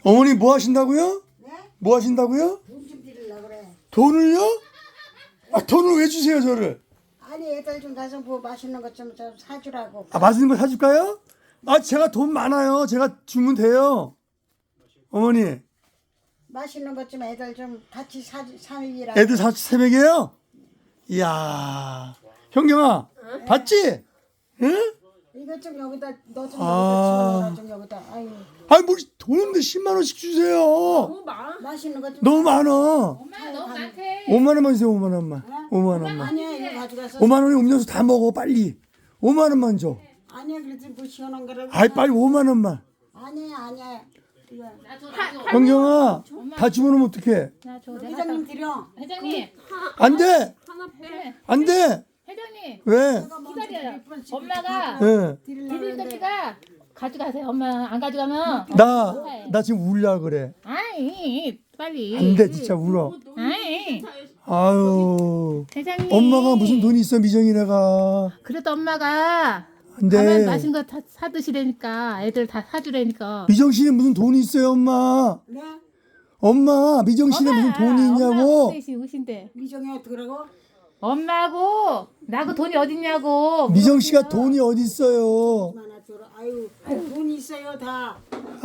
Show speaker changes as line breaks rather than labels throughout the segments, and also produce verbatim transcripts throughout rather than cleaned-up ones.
어머니 뭐 하신다고요?
네?
뭐 하신다고요?
돈 좀 드리려고 그래.
돈을요? 아 돈을 왜 주세요 저를?
아니 애들 좀 가서 뭐 맛있는 것 좀 좀 사주라고.
아 맛있는 거 사줄까요? 아 제가 돈 많아요. 제가 주면 돼요. 어머니
맛있는 것 좀 애들 좀 같이 사 사주라고.
애들 사 새벽에요? 이야 형경아 봤지? 응?
이것 좀 여기다 너 좀
아.
여기다 집어넣어 좀 여기다. 아유
아니 뭐 돈인데 십만 원씩 주세요.
너무 많아.
맛있는 것 좀.
너무 많아.
엄마 너무 많대.
오만 원만 주세요. 오만 원만. 오만 원만.
아니야 이거 가져가서.
오만 원에 음료수 다 먹어 빨리. 오만 원만 줘.
아니야 그래도 뭐 시원한 거라고.
아이 빨리 오만 원만.
아니야 아니야. 이거
형경아 다 집어넣으면 어떡해?
나줘 내가
회장님 드려.
회장님.
안 돼.
하나 빼.
안 돼.
회장님
왜?
기다려요. 엄마가
예.
드릴 거니까 가져가세요. 엄마 안 가져가면
나, 나 지금 울려 그래.
아이 빨리.
안 돼, 진짜 울어.
아이
아유.
회장님.
엄마가 무슨 돈이 있어, 미정이네가.
그래도 엄마가
안
가면
돼.
맛있는 거 다 사드시라니까 애들 다 사주라니까.
미정 씨는 무슨 돈이 있어요, 엄마?
네?
엄마, 미정 씨는 무슨 돈이 있냐고?
엄마 우신데.
미정이 어떡하라고?
엄마하고 나하고 돈이 어딨냐고.
미정 씨가 돈이 어디 있어요?
하나 줘라. 아유 돈 있어요 다.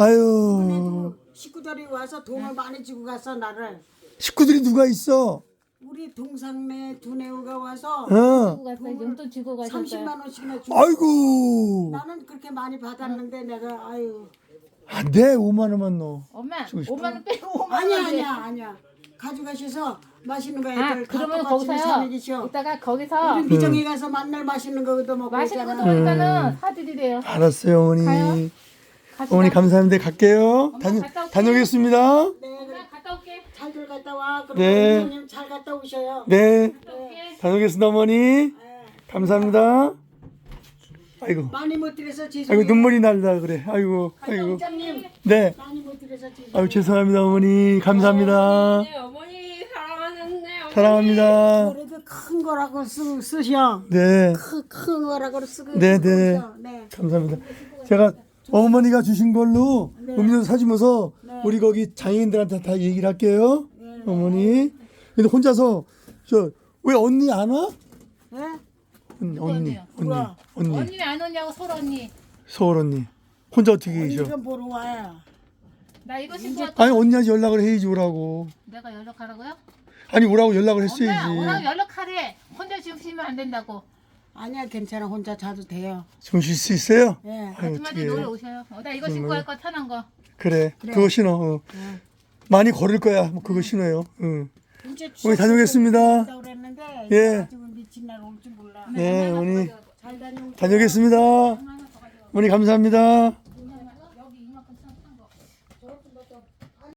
아유.
식구들이 와서 돈을 많이 주고 갔어 나를.
식구들이 누가 있어?
우리 동상네 두뇌우가 와서
어.
주고 갔어요. 용돈 주고 가셨어요.
삼십만 원씩이나 주고.
아이고.
나는 그렇게 많이 받았는데 내가 아유.
안 돼, 오만 원만 넣어.
엄마
주고 싶어.
오만 원 빼고 오만
아니야
원.
아니야 아니야. 가져가셔서 맛있는 거 애들
아
다
그러면
똑같이
거기서요.
사먹이셔.
이따가 거기서
우리 미정이 가서 만날 맛있는 거 얻어 먹고
맛있는 거
있잖아.
먹으니까는 사드리래요.
알았어요, 어머니.
가요? 갑시다.
어머니 감사합니다. 갈게요. 다녀,
갔다 올게.
다녀오겠습니다.
네, 그래.
엄마 갔다 올게.
잘들 갔다 와. 그리고
네.
미정님 잘 갔다 오셔요.
네.
갔다 올게.
다녀오겠습니다, 어머니. 감사합니다. 아이고,
많이 못 드려서 죄송해요.
아이고 눈물이 날라 그래. 아이고, 아이고.
회장님
네.
많이 못 드려서 죄송해요.
아유 죄송합니다, 어머니. 감사합니다.
네, 어머니 사랑하는데 어머니.
사랑합니다.
그래도 큰 거라고 쓰, 쓰셔.
네,
큰, 큰 거라고 쓰고
네, 네.
쓰셔. 네.
감사합니다. 제가 어머니가 주신 걸로 음료수 사주면서 우리 거기 장애인들한테 다 얘기를 할게요. 어머니. 근데 혼자서 저 왜 언니 안 와?
네?
언니, 언니,
언니요?
언니,
누가?
언니,
언니 안 오냐고 서로 언니.
서울 언니. 혼자 어떻게 계셔?
이거 보러 와요.
나 이거 신고 왔다.
아니 언니한테 연락을 해야지 오라고.
내가 연락하라고요?
아니 오라고 연락을
엄마
했어야지.
오라고 연락하래. 혼자 지금 쉬면 안 된다고.
아니야 괜찮아 혼자 자도 돼요.
좀 쉴 수 있어요?
네.
아유,
아줌마들
어떡해.
놀러 오셔요. 어, 나 이거 신고 할 거 편한 거.
그래, 그거 신어. 어. 많이 걸을 거야. 뭐 그거 신어요. 응.
이제
어머니 다녀오겠습니다.
추석에 그랬는데
예.
아직은 미친 날 올 줄 몰라.
네, 어머니
잘 다녀오세요.
다녀오겠습니다. 어머니 감사합니다.